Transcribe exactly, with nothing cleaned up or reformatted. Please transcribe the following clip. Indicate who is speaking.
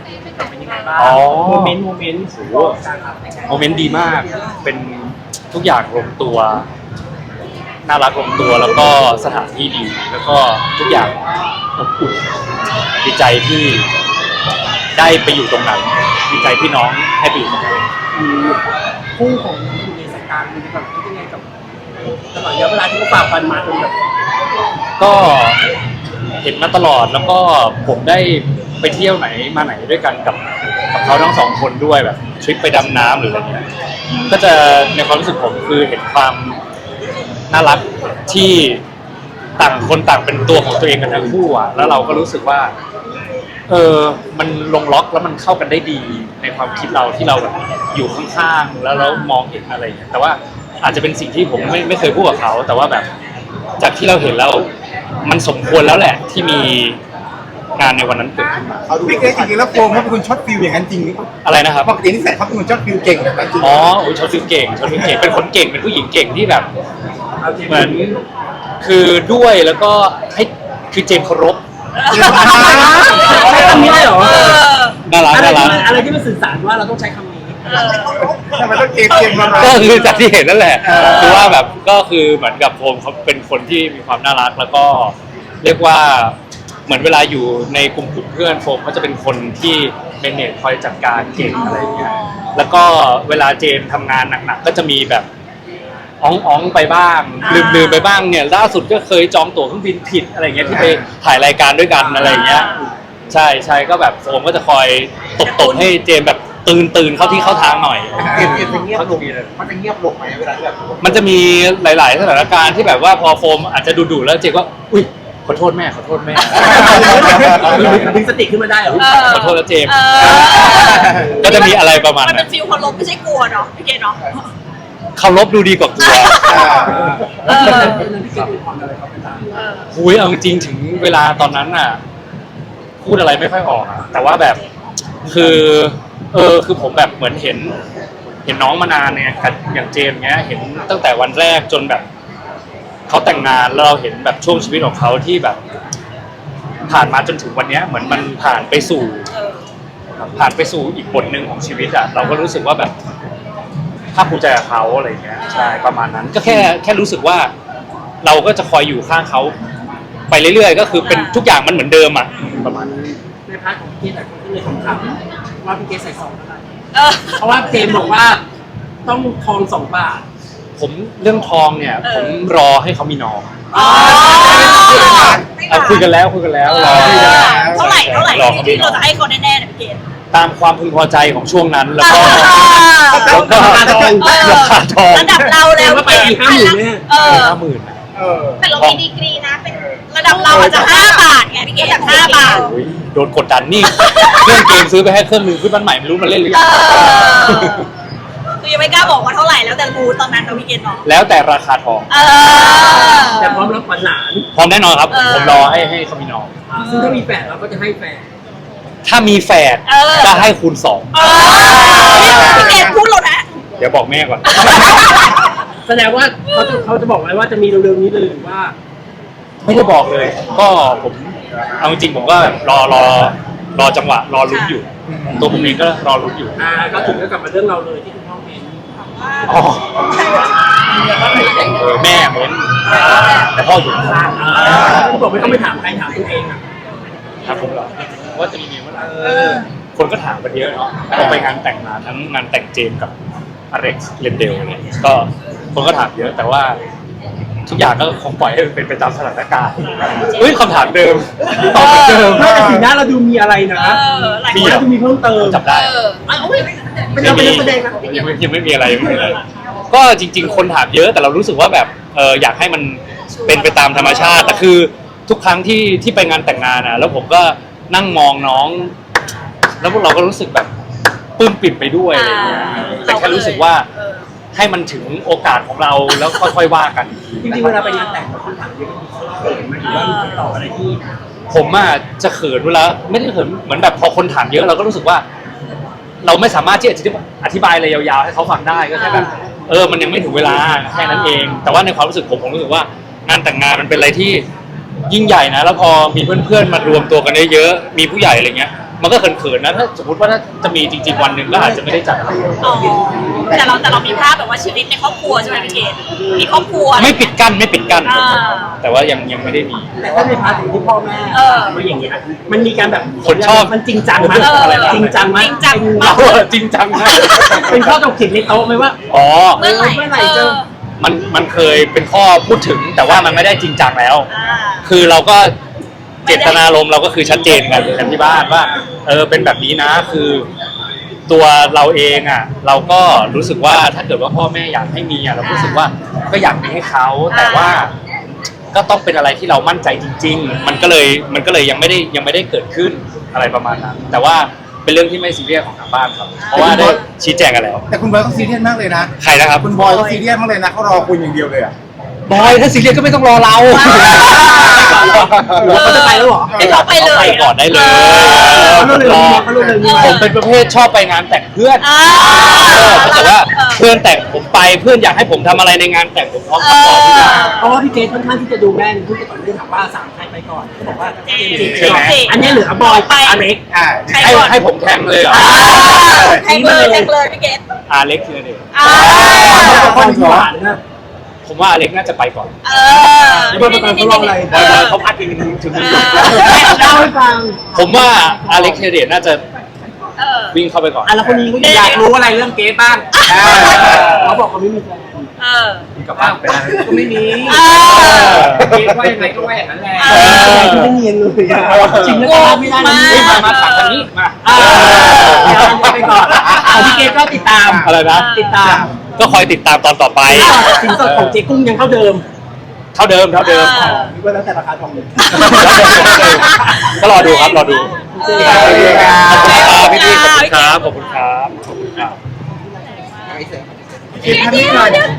Speaker 1: เป็นยังไงบ้างโมเมนต์โมเมนต์โอ้
Speaker 2: โมเมนต์ดีมากเป็นทุกอย่างลงตัวน่ารักลงตัวแล้วก็สถานที่ดีแล้วก็ทุกอย่างอบอุ่นดีใจที่ได้ไปอยู่ตรงนั้นดีใจที่น้องให้ไปอยู่ตรงนั้น
Speaker 1: คู่ของคุณในสายการมันแบบคิดยังไงกับตลอดระยะเวลาที่เขาฝ่าฟันมาจนแบบ
Speaker 2: ก็เห็นมาตลอดแล้วก็ผมได้ไปเที่ยวไหนมาไหนด้วยกันกับกับเขาทั้งสองคนด้วยแบบทริปไปดำน้ำหรืออะไรเงี้ยก็จะในความรู้สึกผมคือเห็นความน่ารักที่ต่างคนต่างเป็นตัวของตัวเองกันทั้งคู่อ่ะแล้วเราก็รู้สึกว่าเออมันลงล็อกแล้วมันเข้ากันได้ดีในความคิดเราที่เราแบบอยู่ข้างๆแล้วเรามองเห็นอะไรอย่างเงี้ยแต่ว่าอาจจะเป็นสิ่งที่ผมไม่ไม่เคยพูดกับเขาแต่ว่าแบบจากที่เราเห็นแล้วมันสมควรแล้วแหละที่มีงานในวันนั้นเกิดขึ้นมา
Speaker 3: พี่เก๋จริงๆแล้วโฟมเขาเป็นคนช็อตฟิลอย่างนั้นจริงหรือเปล่า
Speaker 2: อะไรนะครับ
Speaker 3: ปกตินิสัยเขาเป็นคนช็อตฟิลเก่งแบบนั้นจริง
Speaker 2: อ๋อช็อตฟิลเก่งช็อตฟิลเก่งเป็นคนเก่งเป็นผู้หญิงเก่งที่แบบเหมือนคือด้วยแล้วก็ให้คือเจมส์เคารพ
Speaker 1: ใช้คำนี้ได้หรอ
Speaker 2: น่ารักน่ารัก
Speaker 1: อะไรที่มันสื่อสารว่าเราต้องใช้คำนี้
Speaker 3: ทำไมต้องเจมส์เจมส์มา
Speaker 2: ก็คือจากที่เห็นนั่นแหละคือว่าแบบก็คือเหมือนกับโฟมเขาเป็นคนที่มีความน่ารักแล้วก็เรียกว่าเหมือนเวลาอยู่ในกลุ่มกลุ่มเพื่อนโฟมเขาจะเป็นคนที่เมเนจคอยจัดการเก่งอะไรอย่างเงี้ยแล้วก็เวลาเจมทำงานหนักๆก็จะมีแบบอ้องอ้องไปบ้างลืมๆไปบ้างเนี่ยล่าสุดก็เคยจองตั๋วเครื่องบินผิดอะไรเงี้ยที่ไปถ่ายรายการด้วยกันอะไรเงี้ยใช่ใช่ก็แบบโฟมก็จะคอยตบๆให้เจมแบบตื่นตื่นเข้าที่เข้าทางหน่อย
Speaker 3: เงียบเงียบลงมันจะเงียบลงไหมเวลาแบบ
Speaker 2: มันจะมีหลายๆสถานการณ์ที่แบบว่าพอโฟมอาจจะดุๆแล้วเจมก็อุ้ยขอโทษแม่ขอโทษแม่
Speaker 1: ดึงสติขึ้นมาได้เหรอ
Speaker 2: ขอโทษแล้วเจมก็จะมีอะไรประมาณ
Speaker 4: มันเป็นฟิลเคารพไม่ใช่กลัวเนาะพี่เกดเนาะ
Speaker 2: เคารพดูดีกว่ากลัวหุยเอาจริงถึงเวลาตอนนั้นน่ะพูดอะไรไม่ค่อยออกแต่ว่าแบบคือเออคือผมแบบเหมือนเห็นเห็นน้องมานานเนี่ยอย่างเจมเงี้ยเห็นตั้งแต่วันแรกจนแบบเขาแต่งงานแล้วเราเห็นแบบช่วงชีวิตของเขาที่แบบผ่านมาจนถึงวันนี้เหมือนมันผ่านไปสู่ผ่านไปสู่อีกบทหนึ่งของชีวิตอ่ะเราก็รู้สึกว่าแบบภาคภูมิใจกับเขาอะไรเงี้ยใช่ประมาณนั้นก็แค่แค่รู้สึกว่าเราก็จะคอยอยู่ข้างเขาไปเรื่อยๆก็คือเป็นทุกอย่างมันเหมือนเดิมอ่ะประมาณนั้น
Speaker 1: ในพาร์ทของพี่แต่คนที่เลยของคำว่าพี่เกใส่ซองเท่าไหร่เพราะว่าเจมบอกว่าต้องทองสองบาท
Speaker 2: ผมเรื่องทองเนี่ยผมรอให้เขามีน้องคุยกันแล้วคุยกันแล้วรอ
Speaker 4: เท่าไหร่เท่าไหร่ที่เราจะให้เขาแน่ๆเนี่ยพี่เกด
Speaker 2: ตามความพึงพอใจของช่วงนั้นแล้วก็แล้วก็ราคาทอง
Speaker 4: ระดับเราแล้ว
Speaker 1: ไปอีกห้าหมื่นเนี่ย
Speaker 2: ห้าหมื่น
Speaker 4: แต่เรามีดีกรีนะเป็นระดับเราอาจจะห้าบาทไงพี่เกดห้าบาท
Speaker 2: โดนกดดันนี่เครื่องเกมซื้อไปให้เครื่องนึงขึ้นบ้านใหม่ไม่รู้มันเล่นหรือยัง
Speaker 4: คือยังไม่กล้าบอกว่าเท่าไหร่แล้วแต่มูตอนนั้นเราพี่เกดเนาะ
Speaker 2: แล้วแต่ราคาทอง
Speaker 1: แต่พร้อมรับขวัญหลาน
Speaker 2: พร้อมแน่นอนครับผมรอให้ให้เขามีน้อง
Speaker 1: ซึ่งถ้ามีแฝดเราก็จะให้แฝด
Speaker 2: ถ้ามีแฝดจะให้คูณสอง
Speaker 4: พี่เกดพูดแล้วนะ
Speaker 2: เดี๋ยวบอกแม่ก่อน
Speaker 1: แสดงว่าเขาจะเขาจะบอกไว้ว่าจะมีเร็วๆนี้เลยหรือว่า
Speaker 2: ไม่ได้บอกเลยก็ผมเอาจริงผมก็รอรอรอจังหวะรอลุ้นอยู่ตัวผมเองก็รอลุ้นอยู่
Speaker 1: อ่าก็ถึงก็กลับมาเรื่องเราเลยที่คุณพ่อเมน
Speaker 2: อ๋อเออแม่เมนแต่พ่ออยู่ข้าง
Speaker 1: เขาบอกไม่ต้องไปถามใครถามตัวเองอ่ะ
Speaker 2: ถามผมเหรอว่าจะมีเมียเมื่อไหร่คนก็ถามกันเยอะเนาะพอไปงานแต่งมาทั้งงานแต่งเจมกับอเล็กซ์เรนเดลเนี่ยก็คนก็ถามเยอะแต่ว่าทุกอย่างก็คงปล่อยให้เป็นไปตามสถานการณ์เฮ้ยคำถามเดิมตอบเดิม
Speaker 1: ไม่แต่สีหน้าเราดูมีอะไรนะมีอะไรดูมีเพิ่มเติม
Speaker 2: จับได้
Speaker 1: เป็นเราเป็นนักแสดงนะ
Speaker 2: ยังไม่ยังไม่มีอะไรยังไม่มีอะไรก็จริงๆคนถามเยอะแต่เรารู้สึกว่าแบบเอออยากให้มันเป็นไปตามธรรมชาติแต่คือทุกครั้งที่ที่ไปงานแต่งงานนะแล้วผมก็นั่งมองน้องแล้วพวกเราก็รู้สึกแบบปลื้มปิ่มไปด้วยอะไรอย่างเงี้ยแต่แค่รู้สึกว่าให้มันถึงโอกาสของเราแล้วค่อยๆว่ากัน
Speaker 1: จริงๆเวลาไปงานแต่งคนถามเยอะเขินไหมหรือว่ามีคำตอบอะไรที่
Speaker 2: ผมอ่ะจะเขินเวลาไม่ได้เขินเหมือนแบบพอคนถามเยอะเราก็รู้สึกว่าเราไม่สามารถที่จะอธิบายอะไรยาวๆให้เขาฟังได้ก็แค่แบบเออมันยังไม่ถึงเวลาแค่นั้นเองแต่ว่าในความรู้สึกผมผมรู้สึกว่างานแต่งงานมันเป็นอะไรที่ยิ่งใหญ่นะแล้วพอมีเพื่อนๆมารวมตัวกันเยอะๆมีผู้ใหญ่อะไรเงี้ยมันก็เขินๆนะถ้าสมมติว่าถ้าจะมีจริงๆวันหนึ่งก็อาจจะไม่ได้จัดอะไร
Speaker 4: อ๋อแต่เราแต่เรามีภาพแบบว่าชีวิตในครอบครัวใช่ไหมพี่เกดมีครอบครัว
Speaker 2: ไม่ปิดกั้นไม่ปิดกั้น
Speaker 4: อ่า
Speaker 2: แต่ว่ายังยังไม่ได้มี
Speaker 1: แต่ถ้าในพาร์ทของที่พ่อแม่
Speaker 4: เออ
Speaker 1: มาอย่างเงี้ยมันมีการแบบ
Speaker 2: คนชอบ
Speaker 1: มันจริงจังไหม
Speaker 4: เออ
Speaker 1: อะไรจริงจังไหม
Speaker 4: จริงจัง
Speaker 1: เป็น
Speaker 4: มาก
Speaker 2: จริงจังนะ
Speaker 1: เป็นข้อตกผิดในโต๊ะไหมว่า
Speaker 2: อ๋อ
Speaker 4: เมื่อไหร่
Speaker 1: เมื่อไหร่
Speaker 4: เอ
Speaker 1: จะ
Speaker 4: อ
Speaker 2: มันมันเคยเป็นข้อพูดถึง แต่ว่ามันไม่ได้จริงจังแล้ว
Speaker 4: อ่า
Speaker 2: คือเราก็เจตนารมณ์เราก็คือชัดเจนกันกันที่บ้านว่าเออเป็นแบบนี้นะคือตัวเราเองอ่ะ เราก็รู้สึกว่าถ้าเกิดว่าพ่อแม่อยากให้มีอ่ะเรารู้สึกว่าก็อยากมีให้เขาแต่ว่าก็ต้องเป็นอะไรที่เรามั่นใจจริง ๆ มันก็เลยมันก็เลยยังไม่ได้ยังไม่ได้เกิดขึ้นอะไรประมาณนั้นแต่ว่าเป็นเรื่องที่ไม่ซีเรียสของทางบ้านครับเพราะว่าได้ชี้แจงกันแล้ว
Speaker 3: แต่คุณบอยเขาซีเรียสมากเลยนะ
Speaker 2: ใครนะครับ
Speaker 3: คุณบอยเขาซีเรียสมากเลยนะเขารอคุณอย่างเดียวเลยอ่ะ
Speaker 2: บอยถ้าซีเรียสก็ไม่ต้องรอเรา
Speaker 1: หรือว่าเขาจะไปแล้วเหรอ
Speaker 4: ให้เขาไปเลย
Speaker 2: ไปก่อนได้เลย
Speaker 1: เขารู้เลยว่าเขารู้เลยว่า
Speaker 2: ผมเป็นประเภทชอบไปงานแต่งเพื่อน
Speaker 4: อ่า
Speaker 2: เออถ้าเกิดว่าเพื่อนแต่งผมไปเพื่อนอยากให้ผมทำอะไรในงานแต่งผมพร้อมทำต่อทุกอย่าง
Speaker 1: เพราะว่าพี่เกดค่อนข้างที่จะดูแม่นพูดก่อนเรื่องถามว่าสามใครไปก่อนเขาบอกว่าเจมส์จิ
Speaker 2: ใช่ไหม
Speaker 1: อันนี้เหลือบอยไปอเล็ก
Speaker 3: อ่า
Speaker 4: ใคร
Speaker 2: ให้
Speaker 4: ก่อน
Speaker 2: ให้ผมแทงเลยเหรอ
Speaker 4: แทงเลยแทงเลยพี่เกด
Speaker 2: อาเล็กคือเด็ก
Speaker 4: อ่า
Speaker 1: คนหวานนะ
Speaker 2: ผมว่าอาเล็กน่าจะไปก่อน
Speaker 4: เออ
Speaker 1: แล้วบอยประกันเขาลองอะไร
Speaker 2: บอยบอยเขาพัดถึงถึงถึง
Speaker 1: เล่าให้ฟัง
Speaker 2: ผมว่าอาเล็กเทเดตน่าจะ
Speaker 4: เออ
Speaker 2: วิ่งเข้าไปก่อน
Speaker 1: อ่ะแล้วคนนี้ก็อยากรู้อะไรเรื่องเกดบ้างเขาบอกเขาไม่มีแฟน
Speaker 4: เออ
Speaker 2: กลับบ้านไปแล้ว
Speaker 1: ก็ไม่มี
Speaker 4: เออ
Speaker 1: เกดว่ายังไงก็ว่าอย่างนั้นแหละ
Speaker 4: เออ
Speaker 1: ที่ไม่เนียนเลยอะจริงแล้วก็ไม่ได้นะ
Speaker 2: เฮ้ยมามาตัดทางนี้มา
Speaker 1: อ่าเดี๋ยวเราไปก่อนเอาพี่เกดก็ติดตาม
Speaker 2: อะไรนะ
Speaker 1: ติดตาม
Speaker 2: ก็คอยติดตามตอนต่อไป
Speaker 1: สินสอดของเจ๊กุ้งยังเท่าเดิม
Speaker 2: เท่าเดิมเท่าเดิม
Speaker 4: อ่า
Speaker 1: นึกว่าแล้วแต่ราคาทองเลย
Speaker 2: ก็รอดูครับรอดู
Speaker 4: เออ
Speaker 2: ขอบคุณครับพี่พี่ขอบคุณครับขอบคุณครับ
Speaker 3: เก็บภาพนี้หน่อย